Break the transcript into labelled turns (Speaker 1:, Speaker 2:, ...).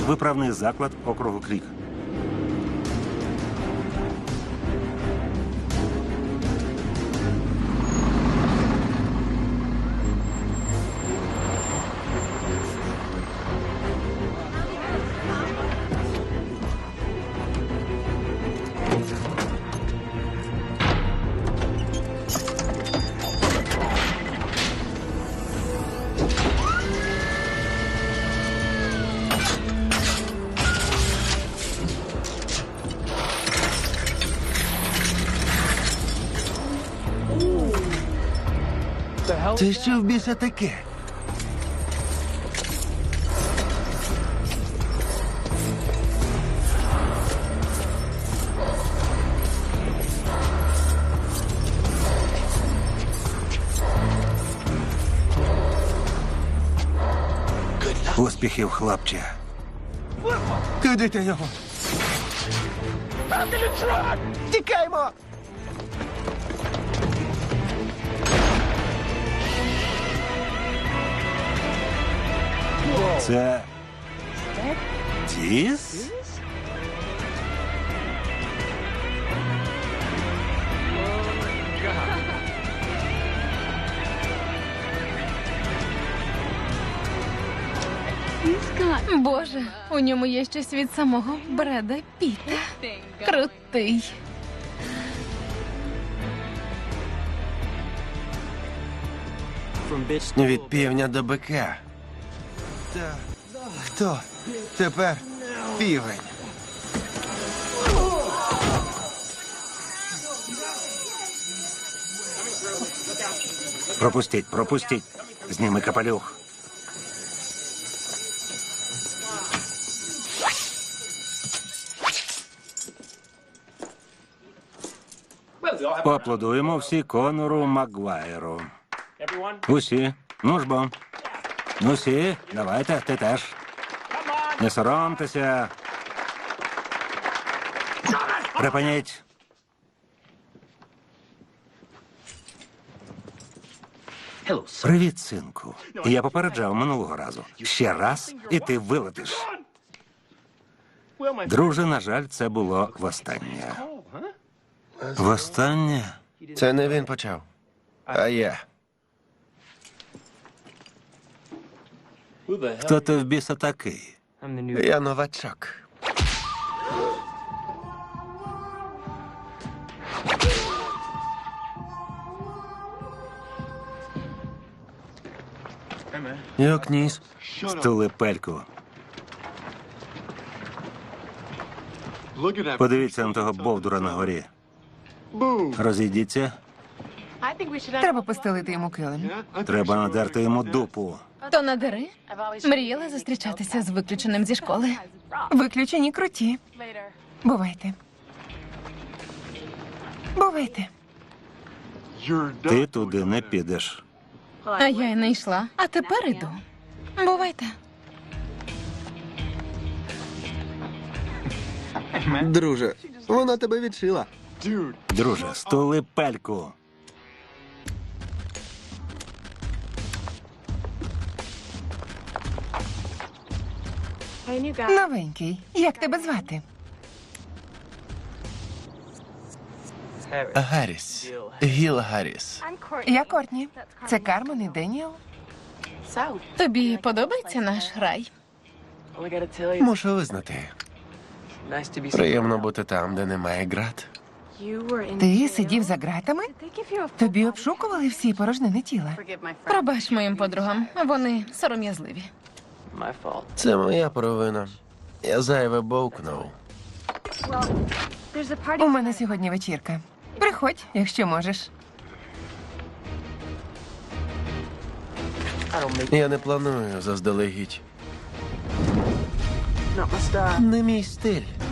Speaker 1: Виправний заклад округу Крік.
Speaker 2: Це що в біса таке?
Speaker 1: Успіхів, хлопче.
Speaker 2: Куди ти його? Тікаймо!
Speaker 1: Це... Тіс?
Speaker 3: Боже, у ньому є щось від самого Бреда Піта. Крутий.
Speaker 2: Від півня до бика. Та хто тепер півень?
Speaker 1: Пропустіть, пропустіть. Зніми капелюх. Поаплодуємо всі Конору Макгвайру. Усі. Ну ж бо. Ну всі, давайте, ти теж. Не соромтеся. Припиніть. Привіт, синку. Я попереджав минулого разу. Ще раз, і ти вилетиш. Друже, на жаль, це було востаннє.
Speaker 2: Востаннє? Це не він почав, а я.
Speaker 1: Хто ти в біса такий?
Speaker 2: Я новачок. Як ніс?
Speaker 1: Стули пельку. Подивіться на того бовдура на горі. Розійдіться.
Speaker 4: Треба постелити йому килим.
Speaker 1: Треба надерти йому дупу.
Speaker 3: То надери. Мріяла зустрічатися з виключеним зі школи.
Speaker 4: Виключені круті. Бувайте. Бувайте.
Speaker 1: Ти туди не підеш.
Speaker 3: А я й не йшла. А тепер іду. Бувайте.
Speaker 2: Друже, вона тебе відшила.
Speaker 1: Друже, стули пельку.
Speaker 4: Новенький. Як тебе звати?
Speaker 2: Гарріс. Гіл Гарріс.
Speaker 4: Я Кортні. Це Кармен і Деніел.
Speaker 3: Тобі подобається наш рай?
Speaker 2: Мушу визнати. Приємно бути там, де немає ґрат.
Speaker 4: Ти сидів за ґратами? Тобі обшукували всі порожнини тіла.
Speaker 3: Пробач моїм подругам. Вони сором'язливі.
Speaker 2: Це моя провина. Я зайве бовкнув.
Speaker 4: У мене сьогодні вечірка. Приходь, якщо можеш.
Speaker 2: Я не планую заздалегідь. Не мій стиль.